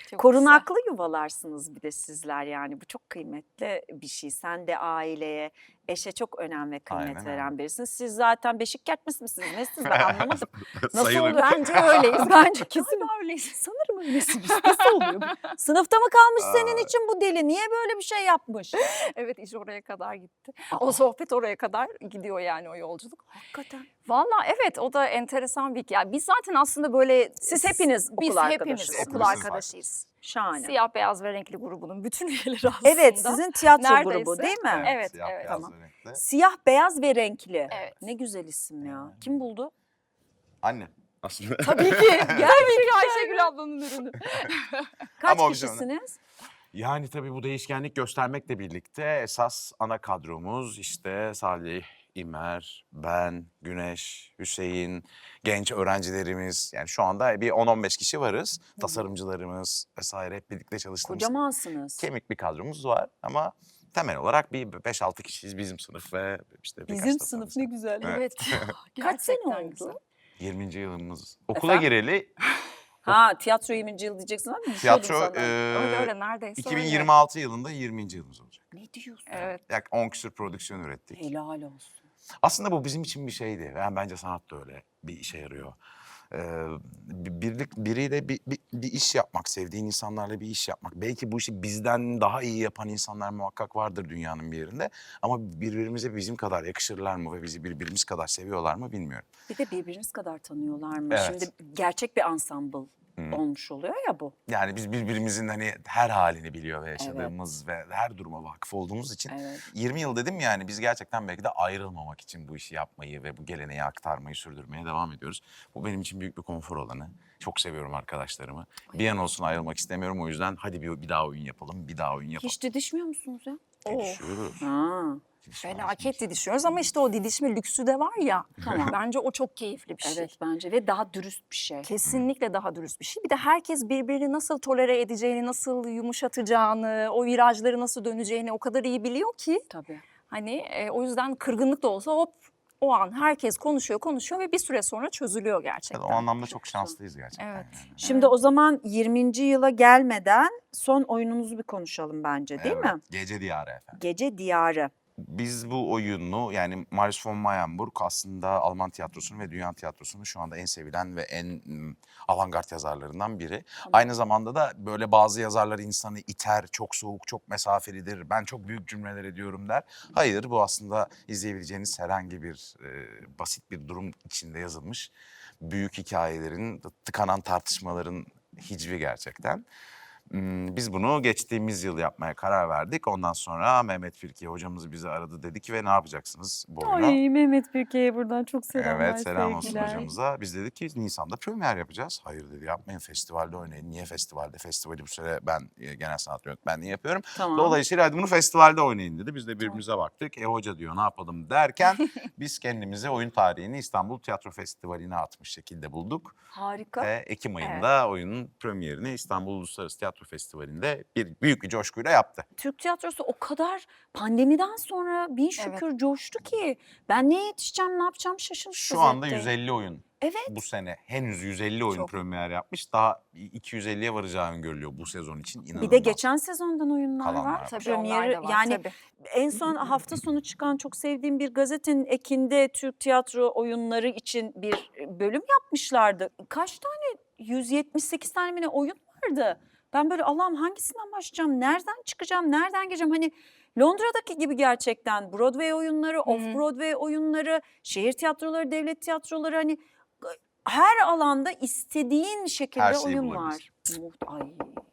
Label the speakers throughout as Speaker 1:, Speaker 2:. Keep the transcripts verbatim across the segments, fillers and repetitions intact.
Speaker 1: Çok
Speaker 2: Korunaklı yuvalarsınız bir de sizler yani. Bu çok kıymetli bir şey. Sen de aileye, eşe çok önem ve kıymet
Speaker 3: Aynen öyle.
Speaker 2: veren birisiniz. Siz zaten beşik kertmesi misiniz? Nesiniz ben anlamadım. Nasıl
Speaker 3: Sayılır.
Speaker 2: oluyor?
Speaker 1: Bence öyleyiz.
Speaker 2: Bence kesin
Speaker 1: Galiba öyleyiz.
Speaker 2: sanırım öylesiniz. Nasıl oluyor? bu? Sınıfta mı kalmış senin
Speaker 3: Aa.
Speaker 2: için bu deli? Niye böyle bir şey yapmış?
Speaker 1: Evet, iş oraya kadar gitti.
Speaker 2: Aa.
Speaker 1: O sohbet oraya kadar gidiyor yani, o yolculuk.
Speaker 2: Hakikaten.
Speaker 1: Vallahi evet, o da enteresan bir hikaye. Biz zaten aslında böyle
Speaker 2: Siz hepiniz okul
Speaker 1: biz hepimiz
Speaker 2: arkadaşısınız.
Speaker 1: okul
Speaker 3: Hepimiz
Speaker 1: arkadaşıyız.
Speaker 2: Şahane.
Speaker 1: Siyah beyaz ve renkli grubunun bütün üyeleri aslında.
Speaker 2: Evet, sizin tiyatro
Speaker 1: Neredeyse.
Speaker 2: grubu değil mi?
Speaker 1: Evet,
Speaker 3: siyah
Speaker 1: evet.
Speaker 3: beyaz
Speaker 2: Tamam.
Speaker 3: ve renkli.
Speaker 2: Siyah, beyaz ve renkli.
Speaker 1: Evet.
Speaker 2: Ne güzel isim ya.
Speaker 3: Yani.
Speaker 2: Kim buldu?
Speaker 3: Anne aslında.
Speaker 1: Tabii ki. Tabii ki Ayşegül ablanın ürünü.
Speaker 2: Kaç
Speaker 3: Ama o bize
Speaker 2: kişisiniz?
Speaker 3: Yani tabii bu değişkenlik göstermekle birlikte esas ana kadromuz işte Salih, İmer, ben, Güneş, Hüseyin, genç öğrencilerimiz. Yani şu anda bir on on beş kişi varız. Tasarımcılarımız vesaire hep birlikte çalıştığımız
Speaker 2: Kocamansınız.
Speaker 3: kemik bir kadromuz var. Ama temel olarak bir beş altı kişiyiz bizim sınıf ve işte birkaç
Speaker 2: Bizim
Speaker 3: tasarımcı.
Speaker 2: sınıf ne güzel.
Speaker 3: Evet.
Speaker 1: Evet.
Speaker 2: Kaç sene
Speaker 1: Gerçekten
Speaker 2: oldu?
Speaker 1: güzel.
Speaker 3: yirminci yılımız. Okula
Speaker 2: Efendim?
Speaker 3: gireli
Speaker 2: Ha tiyatro yirminci yıl diyeceksin ama düşüyordum
Speaker 3: tiyatro
Speaker 2: sana.
Speaker 3: e,
Speaker 1: Öyle öyle neredeyse
Speaker 3: iki bin
Speaker 1: öyle.
Speaker 3: yirmi altı yılında yirminci yılımız olacak.
Speaker 2: Ne diyorsun?
Speaker 1: Evet.
Speaker 3: Yak on küsur prodüksiyon ürettik.
Speaker 2: Helal olsun.
Speaker 3: Aslında bu bizim için bir şeydi. Yani bence sanat da öyle bir işe yarıyor. Ee, birlik biriyle bir, bir, bir iş yapmak, sevdiğin insanlarla bir iş yapmak. Belki bu işi bizden daha iyi yapan insanlar muhakkak vardır dünyanın bir yerinde. Ama birbirimize bizim kadar yakışırlar mı ve bizi birbirimiz kadar seviyorlar mı bilmiyorum.
Speaker 2: Bir de birbiriniz kadar tanıyorlar mı?
Speaker 3: Evet.
Speaker 2: Şimdi gerçek bir ensemble
Speaker 3: Hı.
Speaker 2: olmuş oluyor ya bu.
Speaker 3: Yani biz birbirimizin hani her halini biliyor ve yaşadığımız ve her duruma vakıf olduğumuz için.
Speaker 2: Evet.
Speaker 3: yirmi yıl dedim yani biz gerçekten belki de ayrılmamak için bu işi yapmayı ve bu geleneği aktarmayı sürdürmeye devam ediyoruz. Bu benim için büyük bir konfor alanı. Çok seviyorum arkadaşlarımı. Bir an olsun ayrılmak istemiyorum o yüzden hadi bir, bir daha oyun yapalım, bir daha oyun yapalım.
Speaker 2: Hiç didişmiyor musunuz ya?
Speaker 3: Didişiyoruz.
Speaker 2: Ha.
Speaker 3: Didişmez
Speaker 1: Felaket
Speaker 3: miyiz?
Speaker 1: didişiyoruz ama işte o didişme lüksü de var ya.
Speaker 2: Tamam.
Speaker 1: Bence o çok keyifli bir şey.
Speaker 2: Evet bence ve daha dürüst bir şey.
Speaker 1: Kesinlikle daha dürüst bir şey. Bir de herkes birbirini nasıl tolere edeceğini, nasıl yumuşatacağını, o virajları nasıl döneceğini o kadar iyi biliyor ki.
Speaker 2: Tabii.
Speaker 1: Hani e, o yüzden kırgınlık da olsa hop o an herkes konuşuyor konuşuyor ve bir süre sonra çözülüyor gerçekten.
Speaker 3: O anlamda çok şanslıyız gerçekten.
Speaker 1: Evet.
Speaker 3: yani.
Speaker 2: Şimdi o zaman yirminci yıla gelmeden son oyununuzu bir konuşalım bence değil
Speaker 3: Evet,
Speaker 2: mi?
Speaker 3: Gece Diyarı efendim.
Speaker 2: Gece Diyarı.
Speaker 3: Biz bu oyunu yani Marius von Mayenburg aslında Alman tiyatrosunun ve dünya tiyatrosunun şu anda en sevilen ve en mm, avantgard yazarlarından biri. Aynı zamanda da böyle bazı yazarlar insanı iter, çok soğuk, çok mesafelidir, ben çok büyük cümleler ediyorum der. Hayır, bu aslında izleyebileceğiniz herhangi bir e, basit bir durum içinde yazılmış büyük hikayelerin, tıkanan tartışmaların hicvi gerçekten. Hmm, Biz bunu geçtiğimiz yıl yapmaya karar verdik. Ondan sonra Mehmet Firki hocamız bizi aradı dedi ki ve ne yapacaksınız bu oyunu?
Speaker 2: Ay Mehmet Birke'ye buradan çok selamlar,
Speaker 3: Evet selam olsun
Speaker 2: sevgiler.
Speaker 3: hocamıza. Biz dedik ki Nisan'da premier yapacağız. Hayır dedi yapmayın festivalde oynayın. Niye festivalde? Festivali bu sene ben e, genel sanat yönetmenliği yapıyorum.
Speaker 2: Tamam.
Speaker 3: Dolayısıyla hadi bunu festivalde oynayın dedi. Biz de birbirimize baktık. E hoca diyor ne yapalım derken biz kendimize oyun tarihini İstanbul Tiyatro Festivali'ne atmış şekilde bulduk.
Speaker 2: Harika.
Speaker 3: Ve Ekim ayında oyunun premierini İstanbul Uluslararası Tiyatro Festivali'nde bir büyük bir coşkuyla yaptı.
Speaker 2: Türk tiyatrosu o kadar pandemiden sonra bin şükür coştu ki ben neye yetişeceğim, ne yapacağım şaşırmış
Speaker 3: Şu anda
Speaker 2: vaziyette.
Speaker 3: yüz elli oyun.
Speaker 2: Evet.
Speaker 3: Bu sene henüz yüz elli oyun
Speaker 1: Çok.
Speaker 3: premier yapmış. Daha iki yüz elliye varacağı öngörülüyor bu sezon için. İnanılmaz.
Speaker 2: Bir de geçen sezondan oyunlar
Speaker 3: Kalanlar
Speaker 2: var.
Speaker 3: var.
Speaker 1: Tabii
Speaker 2: Premieri,
Speaker 1: onlar da var
Speaker 2: yani
Speaker 1: tabii.
Speaker 2: en son hafta sonu çıkan çok sevdiğim bir gazetenin ekinde Türk tiyatro oyunları için bir bölüm yapmışlardı. Kaç tane? yüz yetmiş sekiz tane mi ne oyun vardı. Ben böyle Allah'ım hangisinden başlayacağım, nereden çıkacağım, nereden gireceğim? Hani Londra'daki gibi gerçekten Broadway oyunları, off-Broadway oyunları, şehir tiyatroları, devlet tiyatroları hani her alanda istediğin şekilde
Speaker 3: Her şeyi
Speaker 2: oyun
Speaker 3: bulabilirsin.
Speaker 2: var. Muht- Ay.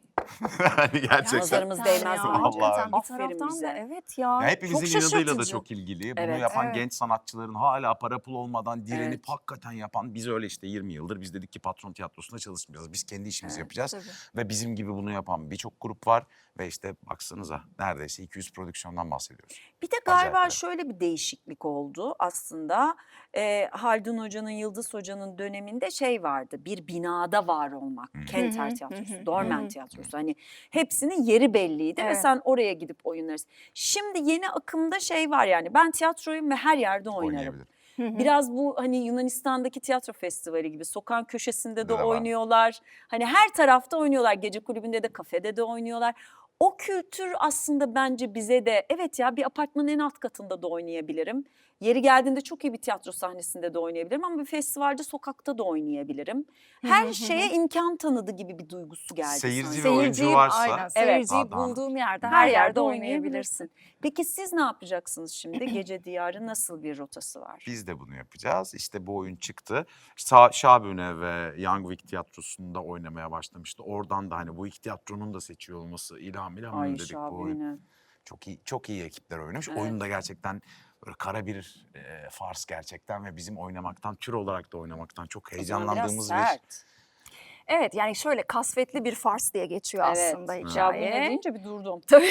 Speaker 3: Yani gerçekten.
Speaker 2: Nazarımız
Speaker 1: Gerçekten
Speaker 2: değmez
Speaker 1: ya,
Speaker 2: mi?
Speaker 3: Vallahi.
Speaker 1: gerçekten bir
Speaker 2: Aferin
Speaker 1: taraftan
Speaker 2: bize.
Speaker 1: da evet ya.
Speaker 3: Ya hepimizin
Speaker 1: çok
Speaker 3: inadıyla da
Speaker 1: şaşırtıcı.
Speaker 3: çok ilgili. Bunu
Speaker 2: Evet.
Speaker 3: yapan
Speaker 1: Evet.
Speaker 3: genç sanatçıların hala para pul olmadan direnip
Speaker 2: Evet.
Speaker 3: hakikaten yapan biz öyle işte yirmi yıldır biz dedik ki patron tiyatrosunda çalışmayacağız. Biz kendi işimizi
Speaker 2: Evet,
Speaker 3: yapacağız.
Speaker 1: tabii.
Speaker 3: Ve bizim gibi bunu yapan birçok grup var. Ve işte baksanıza neredeyse iki yüz prodüksiyondan bahsediyoruz.
Speaker 2: Bir de
Speaker 3: Acayip
Speaker 2: galiba
Speaker 3: evet.
Speaker 2: şöyle bir değişiklik oldu aslında. Ee, Haldun Hoca'nın, Yıldız Hoca'nın döneminde şey vardı. Bir binada var olmak.
Speaker 3: Hı.
Speaker 2: Kenter
Speaker 1: Hı hı,
Speaker 2: Tiyatrosu,
Speaker 1: hı hı,
Speaker 2: Dormen
Speaker 1: hı hı.
Speaker 2: Tiyatrosu. Hani hepsinin yeri belliydi ve
Speaker 1: Evet.
Speaker 2: sen oraya gidip oynarsın. Şimdi yeni akımda şey var yani ben tiyatroyum ve her yerde oynarım.
Speaker 3: Oynayabilir.
Speaker 1: Hı hı.
Speaker 2: Biraz bu hani Yunanistan'daki tiyatro festivali gibi sokağın köşesinde de
Speaker 3: De var.
Speaker 2: oynuyorlar. Hani her tarafta oynuyorlar. Gece kulübünde de kafede de oynuyorlar. O kültür aslında bence bize de evet ya bir apartmanın en alt katında da oynayabilirim. Yeri geldiğinde çok iyi bir tiyatro sahnesinde de oynayabilirim ama bir festivalde sokakta da oynayabilirim.
Speaker 1: Hı
Speaker 2: Her
Speaker 1: hı hı
Speaker 2: şeye
Speaker 1: hı.
Speaker 2: imkan tanıdı gibi bir duygusu geldi
Speaker 3: Seyirci
Speaker 2: sanki.
Speaker 3: ve oyuncu
Speaker 1: Seyirciyi
Speaker 3: varsa
Speaker 1: aynen
Speaker 2: Evet.
Speaker 1: seyirciyi
Speaker 3: daha da
Speaker 1: bulduğun yerde
Speaker 2: Her
Speaker 1: her
Speaker 2: yerde
Speaker 1: yerde
Speaker 2: oynayabilirsin.
Speaker 1: oynayabilirsin.
Speaker 2: Peki siz ne yapacaksınız şimdi? Gece Diyarı nasıl bir rotası var?
Speaker 3: biz de bunu yapacağız. İşte bu oyun çıktı. Sa Şabüne ve Young Vic Tiyatrosu'nda oynamaya başlamıştı. Oradan da hani bu iki tiyatronun da seçiyor olması ilham ilham
Speaker 2: Ay
Speaker 3: dedik bu oyun.
Speaker 2: Şabüne.
Speaker 3: Çok iyi çok iyi ekipler oynamış.
Speaker 2: Evet.
Speaker 3: Oyun da gerçekten böyle kara bir e, fars gerçekten ve bizim oynamaktan, tür olarak da oynamaktan çok
Speaker 2: O zaman biraz
Speaker 3: heyecanlandığımız bir
Speaker 2: sert.
Speaker 1: Evet yani şöyle kasvetli bir fars diye geçiyor aslında
Speaker 2: Evet. Şabüne
Speaker 1: hikaye.
Speaker 2: deyince bir durdum.
Speaker 1: Tabii.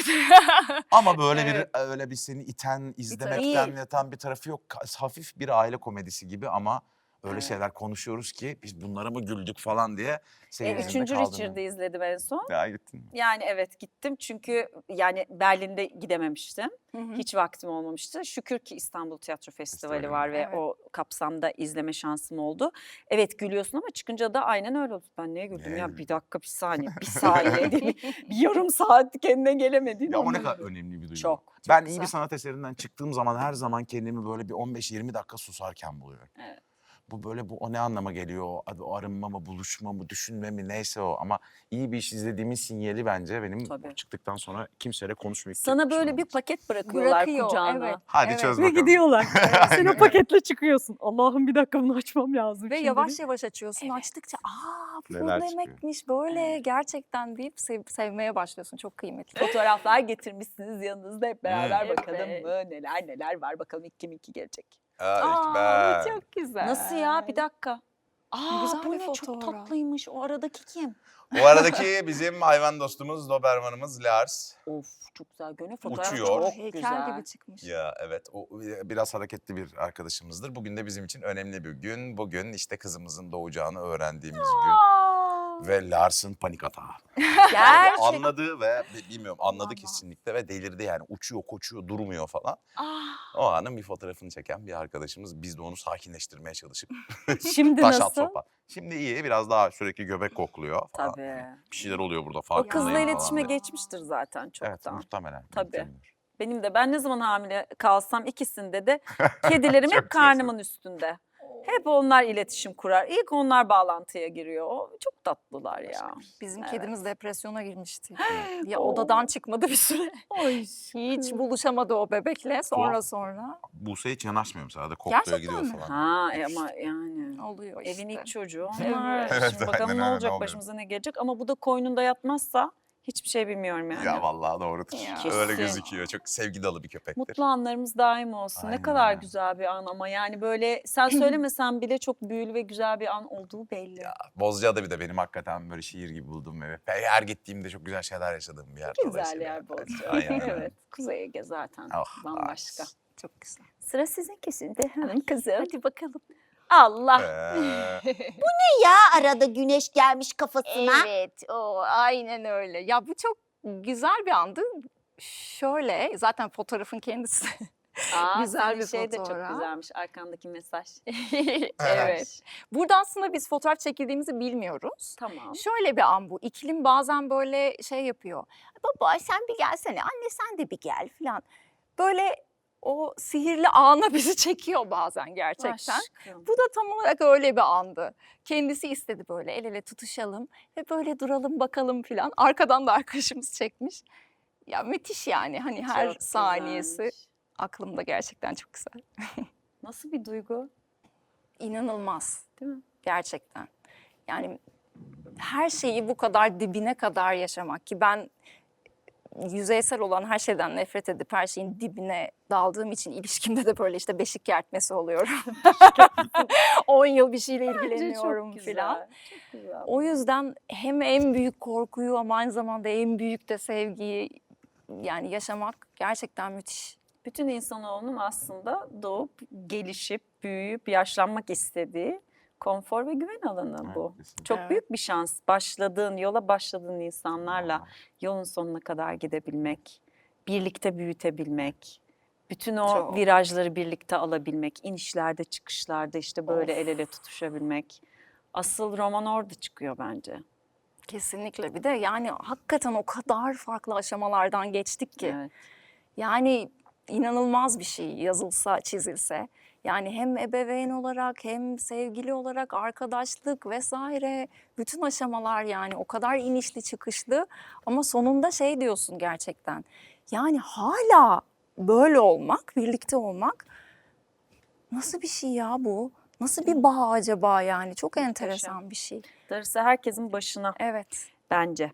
Speaker 3: ama böyle
Speaker 1: Evet.
Speaker 3: bir öyle bir seni iten,
Speaker 1: tarafı
Speaker 3: izlemekten
Speaker 2: değil.
Speaker 3: yatan bir tarafı yok. Ka- Hafif bir aile komedisi gibi ama öyle
Speaker 2: Evet.
Speaker 3: şeyler konuşuyoruz ki biz bunlara mı güldük falan diye
Speaker 2: E,
Speaker 3: seyircinin de
Speaker 2: üçüncü
Speaker 3: kaldığını.
Speaker 2: Richard'ı izledim en son.
Speaker 3: Ya gittin mi?
Speaker 2: Yani evet gittim çünkü yani Berlin'de gidememiştim.
Speaker 1: Hı hı.
Speaker 2: Hiç vaktim olmamıştı. Şükür ki İstanbul Tiyatro Festivali
Speaker 3: Festivali
Speaker 2: var
Speaker 3: var.
Speaker 2: ve
Speaker 1: Evet.
Speaker 2: o kapsamda izleme şansım oldu. Evet gülüyorsun ama çıkınca da aynen öyle oldu. Ben neye güldüm
Speaker 3: Neye
Speaker 2: ya
Speaker 3: güldün?
Speaker 2: bir dakika bir saniye bir saniye diye bir, bir yarım saat kendine gelemediğin
Speaker 3: Ya ama ne
Speaker 2: ondan
Speaker 3: kadar
Speaker 2: oluyor.
Speaker 3: önemli bir duygu.
Speaker 2: Çok, çok
Speaker 3: ben iyi
Speaker 2: güzel.
Speaker 3: bir sanat eserinden çıktığım zaman her zaman kendimi böyle bir on beş yirmi dakika susarken buluyorum.
Speaker 2: Evet.
Speaker 3: Bu böyle bu o ne anlama geliyor? O, o arınma mı, buluşma mı, düşünme mi neyse o. Ama iyi bir iş izlediğimin sinyali bence benim
Speaker 2: Tabii.
Speaker 3: o çıktıktan sonra kimseyle konuşmayıp
Speaker 2: Sana
Speaker 3: gitmişim
Speaker 2: böyle bir
Speaker 3: olması.
Speaker 2: paket bırakıyorlar
Speaker 1: Bırakıyor
Speaker 2: kucağına.
Speaker 1: evet.
Speaker 3: Hadi
Speaker 1: evet.
Speaker 3: çöz
Speaker 2: Ve
Speaker 3: bakalım.
Speaker 2: gidiyorlar. Sen o
Speaker 3: Aynen.
Speaker 2: paketle çıkıyorsun. Allah'ım bir dakika bunu açmam lazım
Speaker 1: Ve
Speaker 2: şimdi.
Speaker 1: yavaş yavaş açıyorsun. Açtıkça aa bu
Speaker 3: Neler
Speaker 1: ne
Speaker 3: çıkıyor?
Speaker 1: demekmiş böyle gerçekten deyip sev- sevmeye başlıyorsun. Çok kıymetli.
Speaker 2: Fotoğraflar getirmişsiniz yanınızda hep beraber
Speaker 1: Evet.
Speaker 2: bakalım mı neler neler var bakalım ilk kim iki gelecek.
Speaker 1: Aa bu çok güzel.
Speaker 2: Nasıl ya bir dakika. Aa
Speaker 1: güzel
Speaker 2: bu
Speaker 1: bir
Speaker 2: ne çok
Speaker 1: fotoğraf.
Speaker 2: tatlıymış o aradaki kim?
Speaker 3: O aradaki bizim hayvan dostumuz, Doberman'ımız Lars.
Speaker 2: Of çok güzel gönül fotoğraf
Speaker 3: Uçuyor.
Speaker 2: çok
Speaker 1: Heykel
Speaker 2: güzel.
Speaker 1: gibi çıkmış.
Speaker 3: Ya evet o biraz hareketli bir arkadaşımızdır. Bugün de bizim için önemli bir gün. Bugün işte kızımızın doğacağını öğrendiğimiz gün.
Speaker 2: Aa,
Speaker 3: Ve Lars'ın panik atağı.
Speaker 2: gerçek.
Speaker 3: Anladı ve bi- bilmiyorum anladı
Speaker 1: Aman.
Speaker 3: kesinlikle ve delirdi yani. Uçuyor, koçuyor, durmuyor falan.
Speaker 2: Ah,
Speaker 3: O anın bir fotoğrafını çeken bir arkadaşımız. Biz de onu sakinleştirmeye çalışıp
Speaker 2: şimdi
Speaker 3: taş at
Speaker 2: nasıl?
Speaker 3: sopa. Şimdi iyi biraz daha sürekli göbek kokluyor falan.
Speaker 2: Tabii.
Speaker 3: Bir şeyler oluyor burada
Speaker 2: O
Speaker 3: farkındayım
Speaker 2: kızla
Speaker 3: falan
Speaker 2: iletişime
Speaker 3: diye.
Speaker 2: geçmiştir zaten
Speaker 3: Evet
Speaker 2: çoktan.
Speaker 3: muhtemelen.
Speaker 2: Tabii.
Speaker 3: muhtemelen.
Speaker 2: Benim de ben ne zaman hamile kalsam ikisinde de kedilerim
Speaker 3: Çok
Speaker 2: hep karnımın üstünde. Hep onlar iletişim kurar. İlk onlar bağlantıya giriyor. O çok tatlılar ya.
Speaker 1: Bizim
Speaker 2: Evet.
Speaker 1: kedimiz depresyona girmişti. ya
Speaker 2: Oo.
Speaker 1: odadan çıkmadı bir süre. Hiç buluşamadı o bebekle sonra
Speaker 3: Tuhaf.
Speaker 1: sonra.
Speaker 3: Buse hiç yanaşmıyor mesela. Hadi kokluyor
Speaker 1: Gerçekten
Speaker 3: gidiyor
Speaker 1: mi?
Speaker 3: falan.
Speaker 2: Ha e ama yani.
Speaker 1: Oluyor işte.
Speaker 2: Evin ilk çocuğu
Speaker 1: Evet.
Speaker 2: onlar.
Speaker 3: Evet,
Speaker 2: Şimdi bakalım
Speaker 3: aynen
Speaker 2: ne
Speaker 3: öyle,
Speaker 2: olacak
Speaker 3: ne oluyor?
Speaker 2: başımıza ne gelecek. Ama bu da koynunda yatmazsa hiçbir şey bilmiyorum yani.
Speaker 3: Ya vallahi doğrudur.
Speaker 1: Ya.
Speaker 3: Öyle
Speaker 2: Kesin.
Speaker 3: gözüküyor. Çok sevgi dolu bir köpektir.
Speaker 2: Mutlu anlarımız daim olsun.
Speaker 3: Aynen
Speaker 2: Ne kadar
Speaker 3: öyle.
Speaker 2: güzel bir an ama yani böyle sen söylemesen bile çok büyülü ve güzel bir an olduğu belli.
Speaker 3: Ya Bozcaada bir de benim hakikaten böyle şiir gibi bulduğum evi. Her gittiğimde çok güzel şeyler yaşadığım bir yer.
Speaker 2: Güzel
Speaker 3: dolayısıyla.
Speaker 2: yer Bozcaada.
Speaker 3: Aynen öyle.
Speaker 2: Evet. Kuzey Ege zaten
Speaker 3: Oh,
Speaker 2: bambaşka.
Speaker 3: nice.
Speaker 1: Çok güzel.
Speaker 2: Sıra sizinki şimdi hanım kızım.
Speaker 1: Hadi bakalım.
Speaker 2: Allah.
Speaker 3: Ee,
Speaker 4: Ya arada güneş gelmiş kafasına.
Speaker 1: Evet, o aynen öyle. Ya bu çok güzel bir andı. Şöyle, zaten fotoğrafın kendisi.
Speaker 2: Aa,
Speaker 1: Güzel
Speaker 2: senin
Speaker 1: bir
Speaker 2: şey de çok
Speaker 1: fotoğraf.
Speaker 2: güzelmiş arkandaki mesaj.
Speaker 1: evet. Burada aslında biz fotoğraf çekildiğimizi bilmiyoruz.
Speaker 2: Tamam.
Speaker 1: Şöyle bir an bu. İklim bazen böyle şey yapıyor. Baba sen bir gelsene, anne sen de bir gel falan. Böyle o sihirli ana bizi çekiyor bazen gerçekten.
Speaker 2: Aşkım.
Speaker 1: Bu da tam olarak öyle bir andı. Kendisi istedi böyle el ele tutuşalım ve böyle duralım bakalım filan. Arkadan da arkadaşımız çekmiş. Ya müthiş yani hani her
Speaker 2: Çok
Speaker 1: saniyesi
Speaker 2: güzelmiş.
Speaker 1: aklımda gerçekten çok güzel.
Speaker 2: Nasıl bir duygu?
Speaker 1: İnanılmaz
Speaker 2: Değil mi?
Speaker 1: gerçekten. Yani her şeyi bu kadar dibine kadar yaşamak ki ben yüzeysel olan her şeyden nefret edip her şeyin dibine daldığım için ilişkimde de böyle işte beşik kertmesi oluyorum. on yıl bir şeyle ilgileniyorum filan.
Speaker 2: Çok güzel.
Speaker 1: O yüzden hem en büyük korkuyu ama aynı zamanda en büyük de sevgiyi yani yaşamak gerçekten müthiş.
Speaker 2: Bütün insanoğlunun aslında doğup, gelişip, büyüyüp, yaşlanmak istediği konfor ve güven alanı bu.
Speaker 3: kesinlikle.
Speaker 2: Çok
Speaker 1: Evet.
Speaker 2: büyük bir şans. Başladığın, yola başladığın insanlarla yolun sonuna kadar gidebilmek, birlikte büyütebilmek, Bütün o
Speaker 1: Çok.
Speaker 2: virajları birlikte alabilmek, inişlerde çıkışlarda işte böyle
Speaker 1: Of.
Speaker 2: el ele tutuşabilmek. Asıl roman orada çıkıyor bence.
Speaker 1: Kesinlikle. Bir de yani hakikaten o kadar farklı aşamalardan geçtik ki.
Speaker 2: Evet.
Speaker 1: Yani inanılmaz bir şey yazılsa, çizilse. Yani hem ebeveyn olarak hem sevgili olarak arkadaşlık vesaire bütün aşamalar yani o kadar inişli çıkışlı ama sonunda şey diyorsun gerçekten. Yani hala böyle olmak, birlikte olmak nasıl bir şey ya bu? Nasıl bir bağ acaba yani? Çok
Speaker 2: Muhteşem.
Speaker 1: enteresan bir şey.
Speaker 2: Darısı herkesin başına
Speaker 1: Evet.
Speaker 2: bence.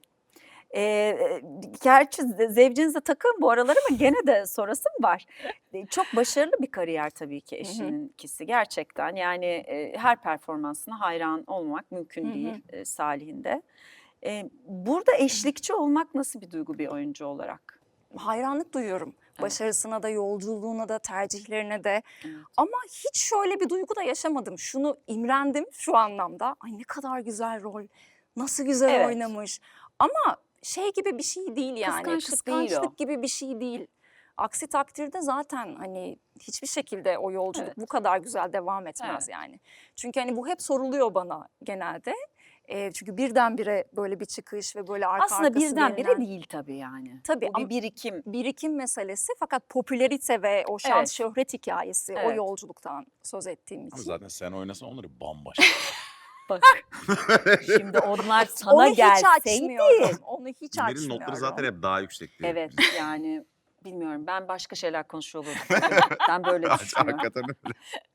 Speaker 2: Ee, gerçi ze- zevcinize takın bu aralar ama gene de sorasım var. Ee, Çok başarılı bir kariyer tabii ki eşininkisi gerçekten. Yani e, her performansına hayran olmak mümkün
Speaker 1: Hı hı.
Speaker 2: değil e, Salih'in de. Ee, burada eşlikçi olmak nasıl bir duygu bir oyuncu olarak?
Speaker 1: Hayranlık duyuyorum.
Speaker 2: Evet.
Speaker 1: Başarısına da, yolculuğuna da, tercihlerine de.
Speaker 2: Evet.
Speaker 1: Ama hiç şöyle bir duygu da yaşamadım. Şunu imrendim şu anlamda. Ay ne kadar güzel rol. Nasıl güzel
Speaker 2: Evet.
Speaker 1: oynamış. Ama şey gibi bir şey değil yani.
Speaker 2: Kıskançlık değil o.
Speaker 1: Kıskançlık gibi bir şey değil. Aksi takdirde zaten hani hiçbir şekilde o yolculuk
Speaker 2: Evet.
Speaker 1: bu kadar güzel devam etmez
Speaker 2: Evet.
Speaker 1: yani. Çünkü hani bu hep soruluyor bana genelde. Ee, çünkü birdenbire böyle bir çıkış ve böyle arka
Speaker 2: Aslında
Speaker 1: arkası
Speaker 2: birdenbire
Speaker 1: gelinen-
Speaker 2: değil tabii yani.
Speaker 1: Tabii
Speaker 2: Bu
Speaker 1: ama-
Speaker 2: bir birikim.
Speaker 1: birikim meselesi fakat popülerite ve o şans
Speaker 2: Evet.
Speaker 1: şöhret hikayesi o
Speaker 2: Evet.
Speaker 1: yolculuktan söz ettiğim için.
Speaker 3: Ama zaten sen oynasan onları bambaşka.
Speaker 2: Bak şimdi onlar sana
Speaker 1: Onu hiç
Speaker 2: gelseydi.
Speaker 1: açmıyorum. Onu hiç
Speaker 3: İmer'in
Speaker 1: açmıyorum.
Speaker 3: notları zaten hep daha yüksek diye.
Speaker 2: Evet yani bilmiyorum ben başka şeyler konuşuyor olurdum. Ben böyle düşünüyorum.
Speaker 3: Hakikaten öyle.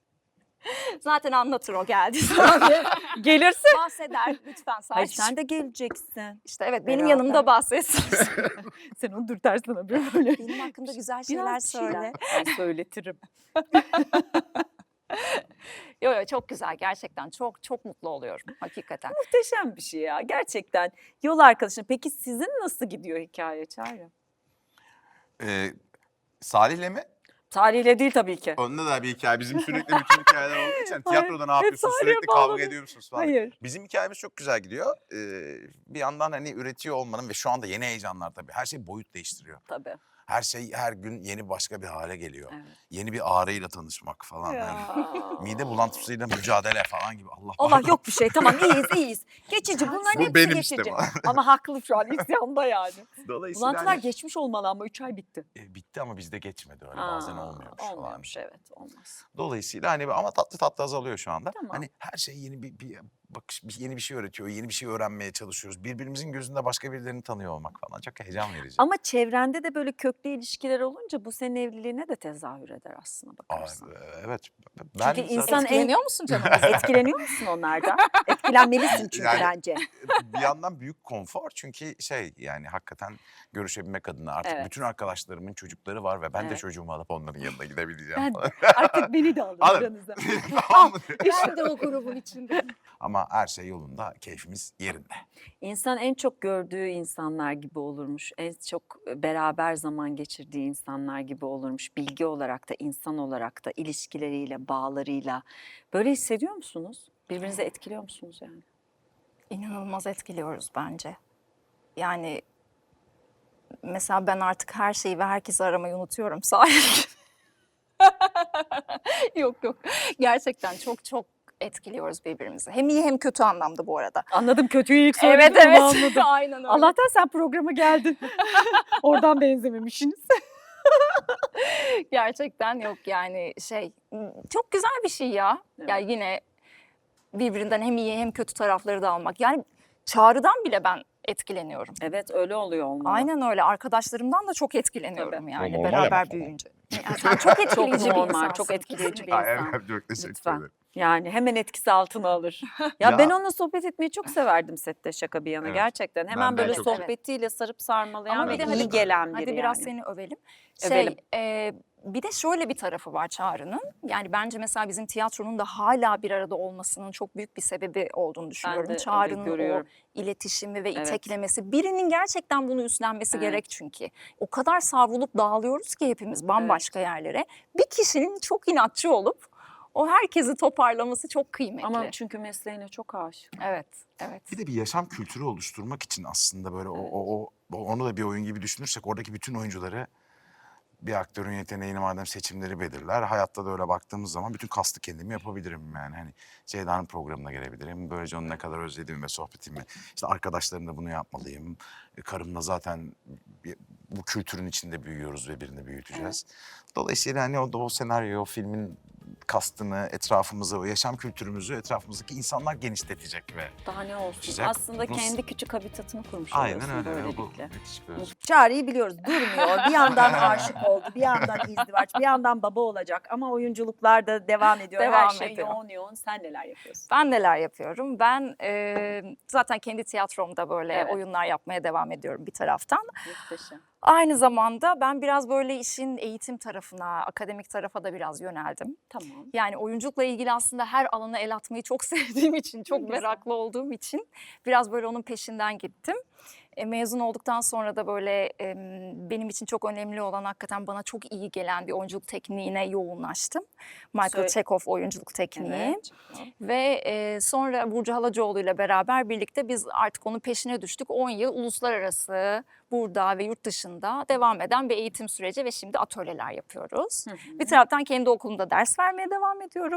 Speaker 1: Zaten anlatır o geldi zaman.
Speaker 2: Gelirse.
Speaker 1: Bahseder lütfen
Speaker 2: Hayır
Speaker 1: sadece.
Speaker 2: sen de geleceksin.
Speaker 1: İşte evet benim
Speaker 2: Beraber.
Speaker 1: yanımda bahsetsin.
Speaker 2: Sen onu dürtersene böyle.
Speaker 1: benim hakkımda güzel şeyler
Speaker 2: Biraz bir şeyler.
Speaker 1: söyle.
Speaker 2: Ben söyletirim.
Speaker 1: Yo yo çok güzel gerçekten çok çok mutlu oluyorum hakikaten.
Speaker 2: Muhteşem bir şey ya gerçekten. Yol arkadaşın. Peki sizin nasıl gidiyor hikaye Çağrı?
Speaker 3: Ee, Salih'le mi?
Speaker 2: Tarihle değil tabii ki.
Speaker 3: Önde de bir hikaye. Bizim sürekli bütün hikayeler olduğu için
Speaker 2: Hayır,
Speaker 3: tiyatroda ne
Speaker 2: hep
Speaker 3: yapıyorsunuz?
Speaker 2: Salih'e
Speaker 3: Sürekli kavga
Speaker 2: bağladım.
Speaker 3: ediyor musunuz falan.
Speaker 2: Hayır.
Speaker 3: Bizim hikayemiz çok güzel gidiyor. Ee, bir yandan hani üretiyor olmanın ve şu anda yeni heyecanlar tabii. Her şey boyut değiştiriyor.
Speaker 2: Tabii.
Speaker 3: Her şey her gün yeni başka bir hale geliyor.
Speaker 2: Evet.
Speaker 3: Yeni bir ağrıyla tanışmak falan.
Speaker 2: Ya.
Speaker 3: Hani mide bulantısıyla mücadele falan gibi. Allah
Speaker 2: Allah
Speaker 3: pardon.
Speaker 2: yok bir şey tamam iyiyiz iyiyiz. Geçici bunların
Speaker 3: Bu
Speaker 2: hepsi
Speaker 3: benim
Speaker 2: geçici.
Speaker 3: işte.
Speaker 2: Ama haklı şu an isyanda yani.
Speaker 3: Dolayısıyla
Speaker 2: Bulantılar
Speaker 3: hani,
Speaker 2: geçmiş olmalı ama üç ay bitti.
Speaker 3: e, bitti ama bizde geçmedi öyle bazen
Speaker 2: Aa,
Speaker 3: olmuyormuş falan.
Speaker 2: Olmuyormuş evet olmaz.
Speaker 3: Dolayısıyla hani ama tatlı tatlı azalıyor şu anda.
Speaker 2: Tamam.
Speaker 3: Hani her şey yeni bir, bir bakış, bir- yeni bir şey öğretiyor, yeni bir şey öğrenmeye çalışıyoruz. Birbirimizin gözünde başka birilerini tanıyor olmak falan çok heyecan verici.
Speaker 2: Ama çevrende de böyle köklü ilişkiler olunca bu senin evliliğine de tezahür eder aslında
Speaker 3: Aa,
Speaker 2: bakarsan.
Speaker 3: evet. Ben
Speaker 2: Çünkü
Speaker 3: zaten
Speaker 2: insan en-
Speaker 1: Etkileniyor musun canım?
Speaker 2: Etkileniyor musun onlardan? Etkilenmelisin çünkü
Speaker 3: Yani-
Speaker 2: bence.
Speaker 3: bir yandan büyük konfor çünkü şey yani hakikaten görüşebilmek adına artık
Speaker 2: Evet.
Speaker 3: bütün arkadaşlarımın çocukları var ve ben de
Speaker 2: Evet.
Speaker 3: çocuğumu alıp onların yanına gidebileceğim
Speaker 2: Ben
Speaker 3: falan.
Speaker 2: artık beni de alın
Speaker 3: Alın.
Speaker 2: aranıza.
Speaker 3: Tamam mı?
Speaker 1: Ben de o grubun içindeyim.
Speaker 3: Ama her şey yolunda, keyfimiz yerinde.
Speaker 2: İnsan en çok gördüğü insanlar gibi olurmuş. En çok beraber zaman geçirdiği insanlar gibi olurmuş. Bilgi olarak da, insan olarak da, ilişkileriyle, bağlarıyla. Böyle hissediyor musunuz? Birbirinizi etkiliyor musunuz yani?
Speaker 1: İnanılmaz etkiliyoruz bence. Yani mesela ben artık her şeyi ve herkesi aramayı unutuyorum sahip. Yok yok. Gerçekten çok çok etkiliyoruz birbirimizi. Hem iyi hem kötü anlamda bu arada.
Speaker 2: Anladım kötüyü ilk
Speaker 1: Evet
Speaker 2: söyledin
Speaker 1: evet.
Speaker 2: ama anladım.
Speaker 1: Aynen öyle.
Speaker 2: Allah'tan sen programa geldin. Oradan benzememişsiniz.
Speaker 1: Gerçekten yok yani şey çok güzel bir şey ya.
Speaker 2: Evet.
Speaker 1: Yani yine birbirinden hem iyi hem kötü tarafları da almak. Yani Çağrı'dan bile ben etkileniyorum.
Speaker 2: Evet öyle oluyor olmalı.
Speaker 1: Aynen öyle. Arkadaşlarımdan da çok etkileniyorum
Speaker 2: Tabii.
Speaker 1: yani
Speaker 3: O normal
Speaker 1: beraber
Speaker 3: ama.
Speaker 1: büyüyünce. Yani sen çok etkileyici
Speaker 2: Çok
Speaker 1: bir
Speaker 2: normal,
Speaker 1: insansın.
Speaker 2: çok etkileyici bir
Speaker 3: Ay,
Speaker 2: insan.
Speaker 3: evet, çok teşekkür
Speaker 2: Lütfen.
Speaker 3: ederim.
Speaker 2: Yani hemen etkisi altına alır. Ya,
Speaker 3: Ya-
Speaker 2: ben onunla sohbet etmeyi çok severdim sette şaka bir yana
Speaker 3: Evet.
Speaker 2: gerçekten. Hemen
Speaker 3: Ben de
Speaker 2: böyle
Speaker 3: çok-
Speaker 2: sohbetiyle sarıp sarmalayan
Speaker 1: Ama
Speaker 2: ve
Speaker 1: bir de
Speaker 2: iyi
Speaker 1: hadi-
Speaker 2: gelen biri
Speaker 1: Hadi
Speaker 2: yani.
Speaker 1: biraz seni övelim. Şey,
Speaker 2: Övelim.
Speaker 1: e, bir de şöyle bir tarafı var Çağrı'nın. Yani bence mesela bizim tiyatronun da hala bir arada olmasının çok büyük bir sebebi olduğunu düşünüyorum.
Speaker 2: de öyle
Speaker 1: Çağrı'nın o
Speaker 2: görüyorum.
Speaker 1: iletişimi ve
Speaker 2: Evet.
Speaker 1: iteklemesi. Birinin gerçekten bunu üstlenmesi
Speaker 2: Evet.
Speaker 1: gerek çünkü. O kadar savrulup dağılıyoruz ki hepimiz bambaşka yerlere. Bir kişinin çok inatçı olup o herkesi toparlaması çok kıymetli.
Speaker 2: Ama çünkü mesleğine çok aşık.
Speaker 1: Evet, evet.
Speaker 3: Bir de bir yaşam kültürü oluşturmak için aslında böyle o, o, o- o- onu da bir oyun gibi düşünürsek oradaki bütün oyuncuları bir aktörün yeteneğini madem seçimleri belirler, hayatta da öyle baktığımız zaman bütün kastı kendim yapabilirim yani. Hani Ceyda'nın programına gelebilirim. Böylece onu ne kadar özlediğimi ve sohbetimi, işte arkadaşlarımla bunu yapmalıyım. E, Karımla zaten bir- bu kültürün içinde büyüyoruz ve birini büyüteceğiz. Dolayısıyla hani o, o senaryo, o filmin kastını, etrafımızı, o yaşam kültürümüzü etrafımızdaki insanlar genişletecek ve
Speaker 2: Daha ne olsun?
Speaker 3: Güzel.
Speaker 2: Aslında
Speaker 3: Bu-
Speaker 2: kendi küçük habitatını kurmuş
Speaker 3: aynen
Speaker 2: oluyorsun
Speaker 3: öyle. Bu
Speaker 2: böylelikle.
Speaker 3: müthiş bir öz-
Speaker 2: Çağrı'yı biliyoruz, durmuyor. Bir yandan aşık oldu, bir yandan izdivaç, bir yandan baba olacak. Ama oyunculuklar da devam ediyor. Her
Speaker 1: Devam
Speaker 2: şey
Speaker 1: ediyor.
Speaker 2: yoğun yoğun. Sen neler yapıyorsun?
Speaker 1: Ben neler yapıyorum? Ben e, zaten kendi tiyatromda böyle
Speaker 2: Evet.
Speaker 1: oyunlar yapmaya devam ediyorum bir taraftan.
Speaker 2: Muhteşem.
Speaker 1: Aynı zamanda ben biraz böyle işin eğitim tarafına, akademik tarafa da biraz yöneldim.
Speaker 2: Tamam.
Speaker 1: Yani oyunculukla ilgili aslında her alana el atmayı çok sevdiğim için, çok
Speaker 2: güzel.
Speaker 1: meraklı olduğum için biraz böyle onun peşinden gittim. E, mezun olduktan sonra da böyle e, benim için çok önemli olan, hakikaten bana çok iyi gelen bir oyunculuk tekniğine yoğunlaştım. Michael
Speaker 2: Söyle-
Speaker 1: Chekhov oyunculuk tekniği.
Speaker 2: Evet.
Speaker 1: Ve e, sonra Burcu Halacoğlu ile beraber birlikte biz artık onun peşine düştük. on yıl uluslararası, burada ve yurt dışında devam eden bir eğitim süreci ve şimdi atölyeler yapıyoruz.
Speaker 2: Hı hı.
Speaker 1: Bir taraftan kendi okulumda ders vermeye devam ediyorum.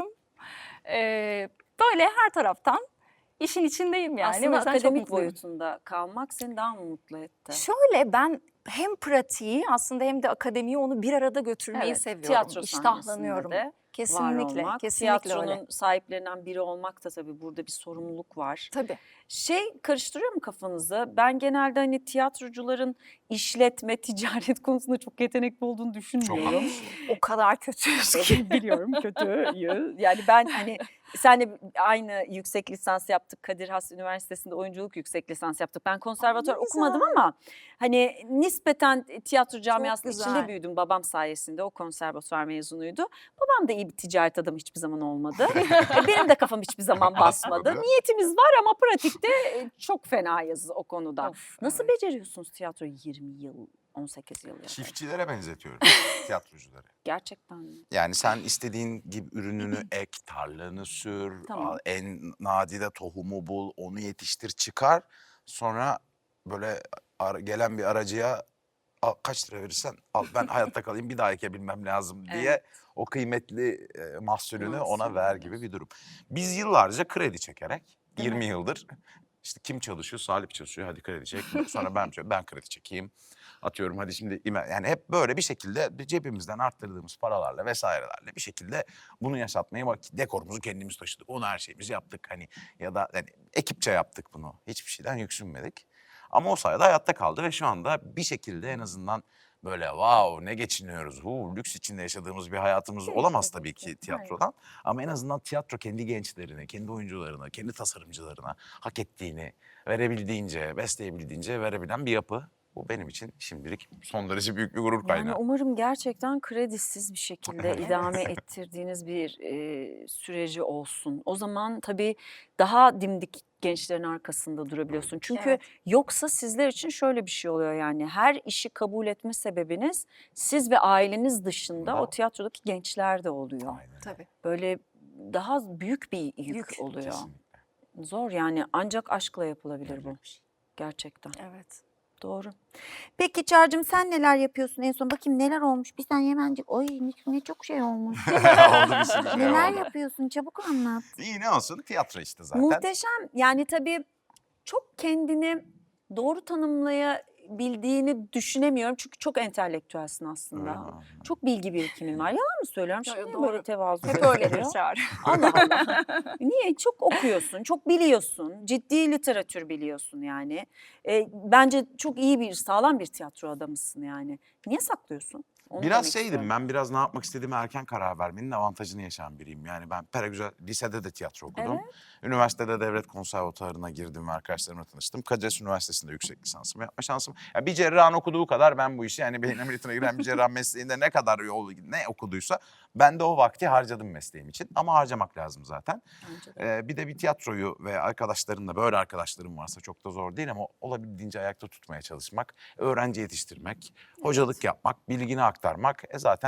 Speaker 1: E, böyle her taraftan işin içindeyim yani.
Speaker 2: Aslında
Speaker 1: O yüzden çok
Speaker 2: akademik
Speaker 1: mutluyum.
Speaker 2: boyutunda kalmak seni daha mı mutlu etti?
Speaker 1: Şöyle, ben hem pratiği aslında hem de akademiyi, onu bir arada götürmeyi
Speaker 2: Evet,
Speaker 1: seviyorum.
Speaker 2: tiyatro
Speaker 1: İştahlanıyorum.
Speaker 2: sahnesinde de
Speaker 1: Kesinlikle,
Speaker 2: var olmak.
Speaker 1: kesinlikle
Speaker 2: Tiyatronun
Speaker 1: öyle.
Speaker 2: sahiplerinden biri olmak da tabii burada bir sorumluluk var.
Speaker 1: Tabii.
Speaker 2: Şey karıştırıyor mu kafanızı? Ben genelde hani tiyatrocuların işletme, ticaret konusunda çok yetenekli olduğunu
Speaker 3: Çok
Speaker 2: düşünmüyorum.
Speaker 1: O kadar kötüyüz ki.
Speaker 2: Biliyorum kötüyü. Yani ben hani senle aynı yüksek lisans yaptık. Kadir Has Üniversitesi'nde oyunculuk yüksek lisans yaptık. Ben konservatuvar
Speaker 1: ne
Speaker 2: okumadım
Speaker 1: güzel.
Speaker 2: ama hani nispeten tiyatro camiasının
Speaker 1: güzel.
Speaker 2: içinde büyüdüm. Babam sayesinde, o konservatuvar mezunuydu. Babam da iyi bir ticaret adamı hiçbir zaman olmadı. E, Benim de kafam hiçbir zaman basmadı.
Speaker 3: Basmadı.
Speaker 2: Niyetimiz var ama pratikte e, çok fenayız o konuda.
Speaker 1: Of,
Speaker 2: Nasıl
Speaker 1: evet.
Speaker 2: beceriyorsunuz tiyatroyu yirmi yıl, on sekiz yıl? ya?
Speaker 3: çiftçilere benzetiyorum tiyatrocuları.
Speaker 2: Gerçekten mi?
Speaker 3: Yani sen istediğin gibi ürününü ek, tarlanı sür,
Speaker 2: Tamam.
Speaker 3: al- en nadide tohumu bul, onu yetiştir, çıkar. Sonra böyle ara- gelen bir aracıya al, kaç lira verirsen al, ben hayatta kalayım, bir daha ekebilmem lazım diye
Speaker 2: Evet.
Speaker 3: o kıymetli e, mahsulünü ona
Speaker 2: Mahsulünü
Speaker 3: ver gibi bir durum. Biz yıllarca kredi çekerek,
Speaker 2: Değil mi?
Speaker 3: yirmi yıldır işte kim çalışıyor? Salih çalışıyor, hadi kredi çek. Sonra ben ben kredi çekeyim. Atıyorum hadi şimdi ime- yani hep böyle bir şekilde cebimizden arttırdığımız paralarla vesairelerle bir şekilde bunu yaşatmaya bak, dekorumuzu kendimiz taşıdık. Onu her şeyimizi yaptık hani, ya da hani ekipçe yaptık bunu. Hiçbir şeyden yüksünmedik. Ama o sayede hayatta kaldı ve şu anda bir şekilde en azından böyle wow ne geçiniyoruz. Hu, lüks içinde yaşadığımız bir hayatımız
Speaker 2: Değil,
Speaker 3: olamaz
Speaker 2: tabii
Speaker 3: tabii
Speaker 2: ki.
Speaker 3: ki tiyatrodan. Ama en azından tiyatro kendi gençlerine, kendi oyuncularına, kendi tasarımcılarına hak ettiğini verebildiğince, besleyebildiğince verebilen bir yapı. Bu benim için şimdilik son derece büyük bir gurur kaynağı.
Speaker 2: Yani umarım gerçekten kredisiz bir şekilde idame ettirdiğiniz bir e, süreci olsun. O zaman tabii daha dimdik gençlerin arkasında durabiliyorsun. Çünkü
Speaker 1: Evet.
Speaker 2: yoksa sizler için şöyle bir şey oluyor yani. Her işi kabul etme sebebiniz siz ve aileniz dışında
Speaker 3: Bravo.
Speaker 2: o tiyatrodaki gençler de oluyor.
Speaker 3: Aynen.
Speaker 1: Tabii.
Speaker 2: Böyle daha büyük bir yük,
Speaker 1: Yük,
Speaker 2: oluyor.
Speaker 3: Kesinlikle.
Speaker 2: Zor yani, ancak aşkla yapılabilir bu.
Speaker 3: Öyle bir şey.
Speaker 2: Gerçekten.
Speaker 1: Evet.
Speaker 2: Doğru.
Speaker 4: Peki Çağrı'cığım sen neler yapıyorsun en son? Bakayım neler olmuş? Bir saniye hemencik. Oy ne, ne çok şey olmuş.
Speaker 3: Oldu bir sürü şey
Speaker 4: Neler
Speaker 3: oldu.
Speaker 4: yapıyorsun? Çabuk anlat.
Speaker 3: İyi ne olsun, tiyatro işte zaten.
Speaker 2: Muhteşem. Yani tabii çok kendini doğru tanımlayabildiğini düşünemiyorum. Çünkü çok entelektüelsin aslında.
Speaker 3: Öyle mi?
Speaker 2: Çok bilgi birikimin var. Yalan mı söylüyorum?
Speaker 1: Yo, yo,
Speaker 2: Şimdi
Speaker 1: doğru.
Speaker 2: böyle tevazu
Speaker 1: Hep
Speaker 2: gösteriyor.
Speaker 1: öyledir Çağrı.
Speaker 2: Allah Allah. Niye? Çok okuyorsun, çok biliyorsun. Ciddi literatür biliyorsun yani. E, bence çok iyi bir, sağlam bir tiyatro adamısın yani. Niye saklıyorsun? Onu
Speaker 3: Biraz
Speaker 2: demek
Speaker 3: şeydim
Speaker 2: istiyorum.
Speaker 3: ben, biraz ne yapmak istediğime erken karar vermenin avantajını yaşayan biriyim. Yani ben Peragüzel lisede de tiyatro okudum. Üniversitede devlet konservatuarına girdim ve arkadaşlarımla tanıştım. Kadir Has Üniversitesi'nde yüksek lisansımı yapma şansım. Ya bir cerrahın okuduğu kadar ben bu işi, yani beyin ameliyatına giren bir cerrah mesleğinde ne kadar yol ne okuduysa ben de o vakti harcadım mesleğim için. Ama harcamak lazım zaten.
Speaker 2: Bence de.
Speaker 3: Ee, bir de bir tiyatroyu ve arkadaşlarınla, böyle arkadaşlarım varsa çok da zor değil ama olabildiğince ayakta tutmaya çalışmak, öğrenci yetiştirmek, hocalık yapmak, bilgini aktarmak e zaten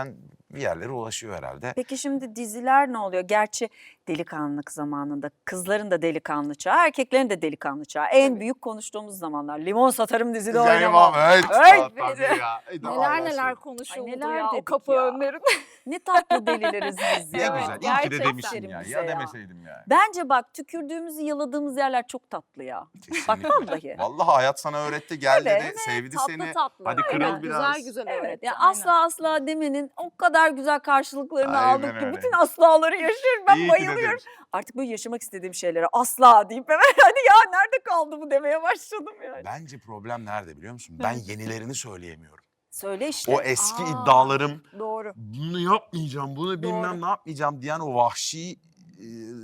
Speaker 3: bir yerlere ulaşıyor herhalde.
Speaker 2: Peki şimdi diziler ne oluyor? Gerçi delikanlılık zamanında kızların da delikanlı çağı, erkeklerin de delikanlı çağı. En
Speaker 1: Tabii.
Speaker 2: büyük konuştuğumuz zamanlar. Limon satarım dizide
Speaker 3: Zeynep
Speaker 2: oynamam.
Speaker 3: abi, evet.
Speaker 2: Evet.
Speaker 3: Tabii ya. E, tamam,
Speaker 1: Neler
Speaker 3: ben
Speaker 1: neler
Speaker 3: söyleyeyim.
Speaker 1: konuşuldu
Speaker 2: Ay neler
Speaker 1: ya o
Speaker 2: dedik
Speaker 1: kapı
Speaker 2: ya.
Speaker 1: önlerinde.
Speaker 2: Ne tatlı delileriz biz
Speaker 3: Ne
Speaker 2: ya.
Speaker 3: güzel. İyi ki de
Speaker 2: Gerçekten
Speaker 3: demişsin ya.
Speaker 2: bize
Speaker 3: Ya demeseydim yani.
Speaker 2: Bence bak tükürdüğümüzü yaladığımız yerler çok tatlı ya. Bak
Speaker 3: Kesinlikle.
Speaker 2: vallahi.
Speaker 3: Vallahi hayat sana öğretti. Gel
Speaker 2: Evet,
Speaker 3: dedi. Sevdi
Speaker 1: tatlı
Speaker 3: seni.
Speaker 1: tatlı.
Speaker 3: Hadi kırıl
Speaker 1: Aynen,
Speaker 3: biraz.
Speaker 1: Güzel güzel
Speaker 2: Evet,
Speaker 1: öğretti.
Speaker 2: ya
Speaker 1: aynen.
Speaker 2: asla asla demenin o kadar güzel karşılıklarını
Speaker 3: Aynen
Speaker 2: aldık ki
Speaker 3: öyle.
Speaker 2: bütün aslaları yaşıyorum. Ben
Speaker 3: İyi ki de
Speaker 2: bayılıyorum.
Speaker 3: demiş.
Speaker 2: Artık böyle yaşamak istediğim şeylere asla deyip hemen hadi ya nerede kaldı bu demeye başladım yani.
Speaker 3: Bence problem nerede biliyor musun? Ben yenilerini söyleyemiyorum.
Speaker 2: Söyle işte.
Speaker 3: O eski
Speaker 1: Aa.
Speaker 3: iddialarım,
Speaker 1: Doğru.
Speaker 3: bunu yapmayacağım, bunu bilmem
Speaker 1: Doğru.
Speaker 3: ne yapmayacağım diyen o vahşi, e,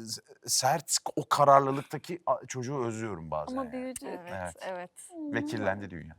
Speaker 3: sert, o kararlılıktaki a- çocuğu özlüyorum bazen.
Speaker 2: Ama
Speaker 3: yani.
Speaker 2: büyüdü.
Speaker 1: Evet,
Speaker 3: Evet.
Speaker 1: evet.
Speaker 3: Ve kirlendi dünya.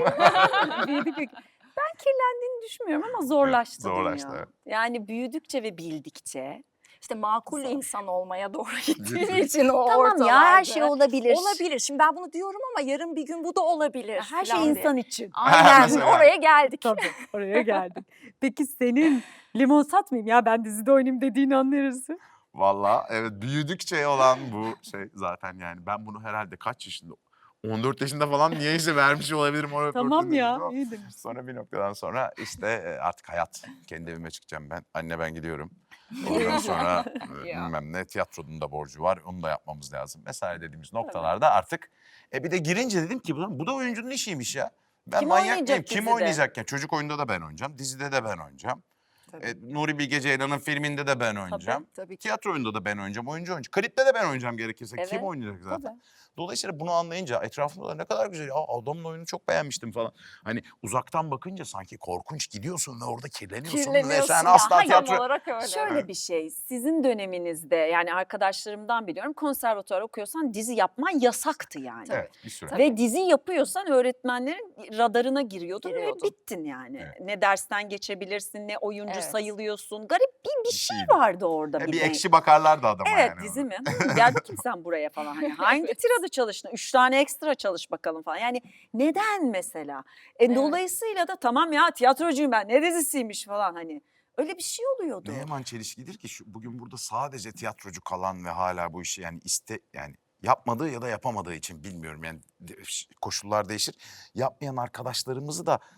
Speaker 2: Büyüdük. Ben kirlendiğini düşünmüyorum ama zorlaştı,
Speaker 3: zorlaştı,
Speaker 2: dünya.
Speaker 3: evet.
Speaker 2: Yani büyüdükçe ve bildikçe.
Speaker 1: İşte makul
Speaker 2: Zor.
Speaker 1: insan olmaya doğru gittiğin için o
Speaker 4: Tamam ya her şey
Speaker 1: ortalarda.
Speaker 4: olabilir.
Speaker 1: Olabilir. Şimdi ben bunu diyorum ama yarın bir gün bu da olabilir.
Speaker 2: Her şey
Speaker 1: falan diye.
Speaker 2: insan için.
Speaker 1: Aynen.
Speaker 3: Mesela.
Speaker 1: Oraya geldik.
Speaker 2: Tabii oraya geldik. Peki senin limon satmayayım ya ben dizide oynayayım dediğini anlarız.
Speaker 3: Vallahi evet, büyüdükçe olan bu şey zaten yani. Ben bunu herhalde kaç yaşında? on dört yaşında falan niyeyse vermiş olabilirim. O
Speaker 2: Tamam
Speaker 3: röportajı
Speaker 2: ya
Speaker 3: ama
Speaker 2: iyi demişsin.
Speaker 3: Sonra bir noktadan sonra işte e, artık hayat. Kendi evime çıkacağım ben. Anne ben gidiyorum. Ondan sonra e,
Speaker 1: Ya.
Speaker 3: bilmem ne, tiyatronun da borcu var. Onu da yapmamız lazım vesaire dediğimiz noktalarda artık e bir de girince dedim ki bu, bu da oyuncunun işiymiş ya. Ben
Speaker 2: Kim
Speaker 3: manyak
Speaker 2: oynayacak
Speaker 3: mıyım? Kim
Speaker 2: dizide?
Speaker 3: oynayacak ya? Çocuk oyunda da ben oynayacağım. Dizide de ben oynayacağım.
Speaker 1: Tabii.
Speaker 3: E, Nuri Bilge Ceylan'ın filminde de ben oynayacağım.
Speaker 1: Tabii ki.
Speaker 3: Tiyatro oyunda da ben oynayacağım. Oyuncu oyuncu. Klipte de ben oynayacağım gerekirse. Kim
Speaker 2: Evet,
Speaker 3: oynayacak zaten?
Speaker 2: Tabii.
Speaker 3: Dolayısıyla bunu anlayınca etrafımda da ne kadar güzel ya adamın oyunu çok beğenmiştim falan. Hani uzaktan bakınca sanki korkunç gidiyorsun ve orada kirleniyorsun, ve
Speaker 1: Kirleniyorsun
Speaker 3: sen
Speaker 1: ya.
Speaker 3: asla
Speaker 1: Tam
Speaker 3: tiyatro...
Speaker 1: olarak öyle.
Speaker 2: Şöyle bir şey, sizin döneminizde yani arkadaşlarımdan biliyorum konservatuvar okuyorsan dizi yapman yasaktı yani.
Speaker 3: Evet bir süre.
Speaker 2: Ve dizi yapıyorsan öğretmenlerin radarına giriyordun
Speaker 1: Giriyordun.
Speaker 2: ve bittin yani.
Speaker 3: Evet.
Speaker 2: Ne dersten geçebilirsin, ne oyuncu
Speaker 1: Evet.
Speaker 2: sayılıyorsun. Garip bir, bir şey
Speaker 3: şeydi.
Speaker 2: vardı orada.
Speaker 3: Ya
Speaker 2: bir
Speaker 3: bir
Speaker 2: denk.
Speaker 3: ekşi bakarlardı adama
Speaker 2: Evet
Speaker 3: yani.
Speaker 2: dizi
Speaker 3: ona.
Speaker 2: mi? Hı, gel bakayım sen buraya falan. Hani hangi tirada çalıştın? Üç tane ekstra çalış bakalım falan. Yani neden mesela? E,
Speaker 1: Evet.
Speaker 2: Dolayısıyla da tamam ya tiyatrocuyum ben ne dizisiymiş falan hani. Öyle bir şey oluyordu.
Speaker 3: Ne yaman çelişkidir ki şu, bugün burada sadece tiyatrocu kalan ve hala bu işi yani iste yani yapmadığı ya da yapamadığı için bilmiyorum yani de- koşullar değişir. Yapmayan arkadaşlarımızı da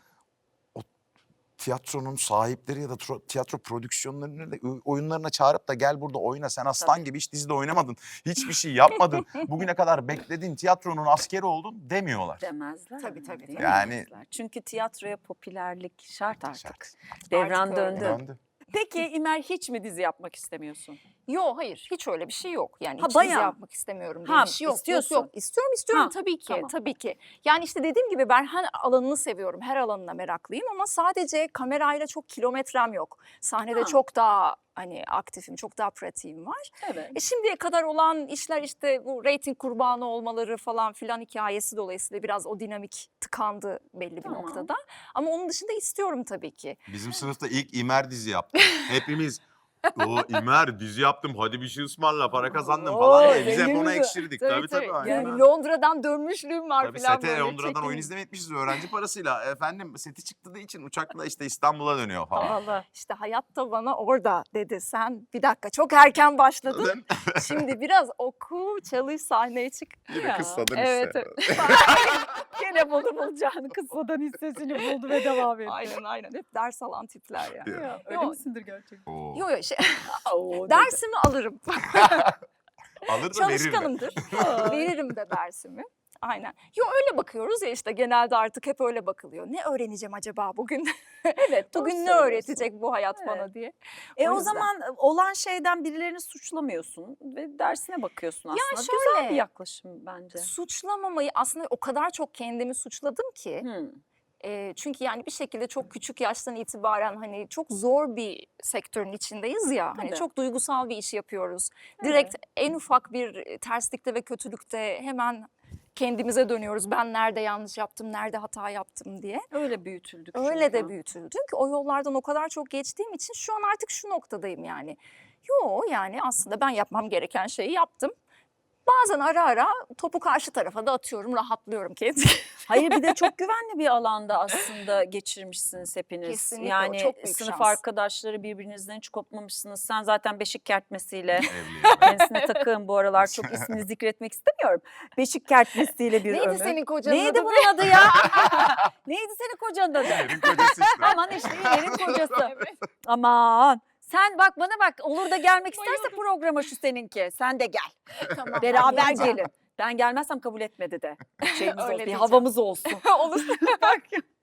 Speaker 3: o tiyatronun sahipleri ya da tro- tiyatro prodüksiyonlarını da ö- oyunlarına çağırıp da gel burada oyna sen aslan
Speaker 2: Tabii.
Speaker 3: gibi hiç dizide oynamadın. Hiçbir şey yapmadın. Bugüne kadar bekledin tiyatronun askeri oldun demiyorlar.
Speaker 2: Demezler.
Speaker 1: Tabii, tabii,
Speaker 2: değil
Speaker 1: tabii.
Speaker 3: Yani-
Speaker 2: demezler. Çünkü tiyatroya popülerlik şart artık.
Speaker 3: Şart.
Speaker 2: Devran
Speaker 1: Artık öyle.
Speaker 2: döndü.
Speaker 3: Döndü.
Speaker 2: Peki İmer hiç mi dizi yapmak istemiyorsun?
Speaker 1: Yok hayır hiç öyle bir şey yok. Yani
Speaker 2: Ha,
Speaker 1: hiç dizi
Speaker 2: bayağı.
Speaker 1: yapmak istemiyorum diye
Speaker 2: Ha,
Speaker 1: bir şey yok.
Speaker 2: istiyorsun.
Speaker 1: Yok, yok. İstiyorum istiyorum
Speaker 2: Ha,
Speaker 1: tabii ki
Speaker 2: tamam.
Speaker 1: tabii ki. Yani işte dediğim gibi ben her alanını seviyorum. Her alanına meraklıyım ama sadece kamerayla çok kilometrem yok. Sahnede
Speaker 2: Ha.
Speaker 1: çok daha hani aktifim, çok daha pratiğim var.
Speaker 2: Evet.
Speaker 1: E şimdiye kadar olan işler işte bu reyting kurbanı olmaları falan filan hikayesi dolayısıyla biraz o dinamik tıkandı belli bir
Speaker 2: Tamam.
Speaker 1: noktada. Ama onun dışında istiyorum tabii ki.
Speaker 3: Bizim sınıfta ilk İmer dizi yaptı. Hepimiz o İmer dizi yaptım hadi bir şey ısmarla para kazandım
Speaker 2: Oo,
Speaker 3: falan diye biz hep
Speaker 2: zenginiz
Speaker 3: ona
Speaker 2: de.
Speaker 3: ekşirdik. Tabii tabii. aynen.
Speaker 1: Yani Londra'dan dönmüşlüğüm var
Speaker 3: Tabii
Speaker 1: filan
Speaker 3: sete
Speaker 1: böyle
Speaker 3: Londra'dan
Speaker 1: çekim.
Speaker 3: oyun izlemetmişiz öğrenci parasıyla. Efendim seti çıktığı için uçakla işte İstanbul'a dönüyor falan.
Speaker 2: Allah.
Speaker 1: İşte hayat da bana orada dedi. Sen bir dakika çok erken başladın. Şimdi biraz oku, çalış, sahneye çık.
Speaker 3: Yine
Speaker 2: Ya,
Speaker 3: kıssadın
Speaker 1: evet,
Speaker 3: işte.
Speaker 2: Gene buldu bulacağını kısmadan hissesini buldu ve devam etti.
Speaker 1: Aynen aynen. Hep ders alan tipler yani.
Speaker 3: Ya.
Speaker 2: Ya, öyle
Speaker 1: Yok.
Speaker 2: misindir gerçekten?
Speaker 3: Oo.
Speaker 1: Yok yok şey,
Speaker 2: Oo, dedi.
Speaker 1: dersimi alırım.
Speaker 3: Alır da verir de.
Speaker 1: Çalışkanımdır. Veririm de dersimi. Aynen. Yo öyle bakıyoruz ya işte genelde artık hep öyle bakılıyor. Ne öğreneceğim acaba bugün?
Speaker 2: Evet, doğru
Speaker 1: Bugün ne
Speaker 2: söylüyorsun.
Speaker 1: öğretecek bu hayat bana
Speaker 2: Evet.
Speaker 1: diye.
Speaker 2: E
Speaker 1: O
Speaker 2: o,
Speaker 1: yüzden.
Speaker 2: zaman olan şeyden birilerini suçlamıyorsun ve dersine bakıyorsun aslında. Güzel
Speaker 1: şöyle,
Speaker 2: bir yaklaşım bence.
Speaker 1: Suçlamamayı aslında o kadar çok kendimi suçladım ki.
Speaker 2: Hmm.
Speaker 1: E, çünkü yani bir şekilde çok küçük yaştan itibaren hani çok zor bir sektörün içindeyiz ya. Hani
Speaker 2: Tabii.
Speaker 1: çok duygusal bir iş yapıyoruz. Direkt en ufak bir terslikte ve kötülükte hemen kendimize dönüyoruz. Ben nerede yanlış yaptım, nerede hata yaptım diye.
Speaker 2: Öyle büyütüldük.
Speaker 1: Öyle
Speaker 2: çünkü.
Speaker 1: de büyütüldüm ki o yollardan o kadar çok geçtiğim için şu an artık şu noktadayım yani. Yo yani aslında ben yapmam gereken şeyi yaptım. bazen ara ara topu karşı tarafa da atıyorum, rahatlıyorum kendimi.
Speaker 2: Hayır bir de çok güvenli bir alanda aslında geçirmişsiniz hepiniz.
Speaker 1: Kesinlikle, o
Speaker 2: yani
Speaker 1: çok büyük
Speaker 2: sınıf
Speaker 1: şans.
Speaker 2: arkadaşları birbirinizden hiç kopmamışsınız. Sen zaten beşik kertmesiyle
Speaker 3: Evliyim.
Speaker 2: kendisine takığım bu aralar çok ismini zikretmek istemiyorum. Beşik kertmesiyle bir
Speaker 1: Neydi
Speaker 2: ömür.
Speaker 1: senin kocanın
Speaker 2: Neydi
Speaker 1: adı?
Speaker 2: bunun adı ya? Neydi senin kocanın adı?
Speaker 3: Yerin kocası işte.
Speaker 2: Aman işte İler'in kocası. Aman. Sen bak bana bak olur da gelmek isterse programa şu seninki. Sen de gel.
Speaker 1: Tamam,
Speaker 2: Beraber
Speaker 1: geleceğim.
Speaker 2: gelin. Ben gelmezsem kabul etmedi de. Şeyimiz
Speaker 1: Öyle
Speaker 2: olsun, bir
Speaker 1: diyeceğim.
Speaker 2: havamız olsun.
Speaker 1: Olur.